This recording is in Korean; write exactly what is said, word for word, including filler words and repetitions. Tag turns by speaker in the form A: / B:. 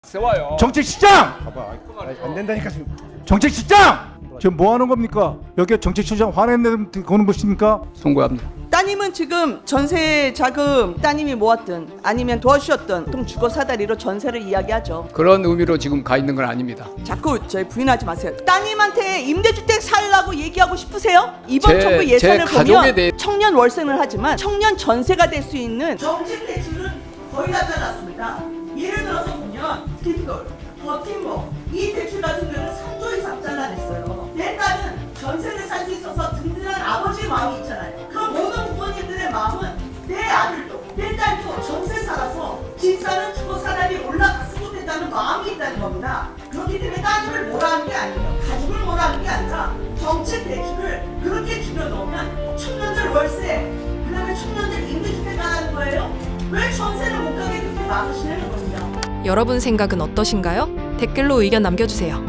A: 세워요.
B: 정책실장!
C: 봐봐. 안 된다니까 지금.
B: 정책실장! 지금 뭐 하는 겁니까? 여기 정책실장 화내는 거는 것입니까?
A: 송구합니다.
D: 따님은 지금 전세 자금 따님이 모았든 아니면 도와주셨든 통 주거 사다리로 전세를 이야기하죠.
A: 그런 의미로 지금 가 있는 건 아닙니다.
D: 자꾸 저희 부인하지 마세요. 따님한테 임대주택 살라고 얘기하고 싶으세요? 이번
A: 제-
D: 정부
A: 제
D: 예산을
A: 가족에
D: 보면
A: 대해-
D: 청년 월세는 하지만 청년 전세가 될 수 있는 정책 대출은 거의 다 잘랐습니다. 예를 들어서 보면 뒷돌, 버팀목 이 대출 같은 경우는 삼 조 이상 잘라냈어요. 내 딸은 전세를 살 수 있어서 든든한 아버지의 마음이 있잖아요. 그럼 모든 부모님들의 마음은 내 아들도 내 딸도 전세 살아서 집 사는 주거 사람이 올라갔으면 좋겠다는 마음이 있다는 겁니다. 그렇기 때문에 따님을 뭐라 하는 게 아니에요. 가족을 뭐라 하는 게 아니라 정책 대출을 그렇게 줄여놓으면 청년들 월세 그다음에 청년들 임대주택 가라는 거예요. 왜 전세를 못 가게 그렇게 막으시냐는 겁니다.
E: 여러분 생각은 어떠신가요? 댓글로 의견 남겨주세요.